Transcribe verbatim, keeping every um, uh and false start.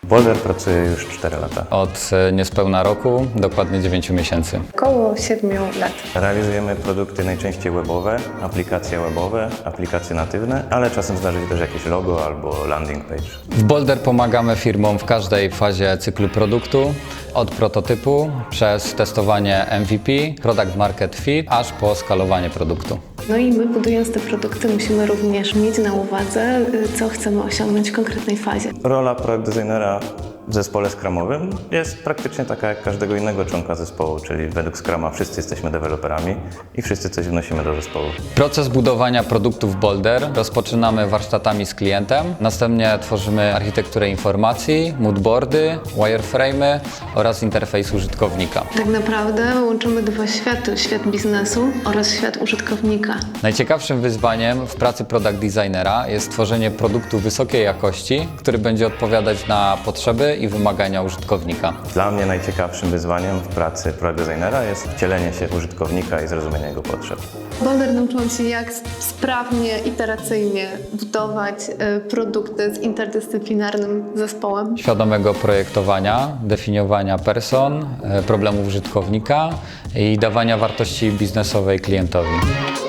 Boulder pracuje już cztery lata. Od e, niespełna roku, dokładnie dziewięciu miesięcy. Około siedmiu lat. Realizujemy produkty najczęściej webowe, aplikacje webowe, aplikacje natywne, ale czasem zdarzy się też jakieś logo albo landing page. W Boulder pomagamy firmom w każdej fazie cyklu produktu, od prototypu przez testowanie M V P, Product Market Fit, aż po skalowanie produktu. No i my, budując te produkty, musimy również mieć na uwadze, co chcemy osiągnąć w konkretnej fazie. Rola product designera w zespole scrumowym jest praktycznie taka jak każdego innego członka zespołu, czyli według Scruma wszyscy jesteśmy deweloperami i wszyscy coś wnosimy do zespołu. Proces budowania produktów Boulder rozpoczynamy warsztatami z klientem, następnie tworzymy architekturę informacji, moodboardy, wireframe'y oraz interfejs użytkownika. Tak naprawdę łączymy dwa światy, świat biznesu oraz świat użytkownika. Najciekawszym wyzwaniem w pracy product designera jest stworzenie produktu wysokiej jakości, który będzie odpowiadać na potrzeby i wymagania użytkownika. Dla mnie najciekawszym wyzwaniem w pracy product designera jest wcielenie się w użytkownika i zrozumienie jego potrzeb. Boulder nauczył się, jak sprawnie, iteracyjnie budować y, produkty z interdyscyplinarnym zespołem. Świadomego projektowania, definiowania person, e, problemów użytkownika i dawania wartości biznesowej klientowi.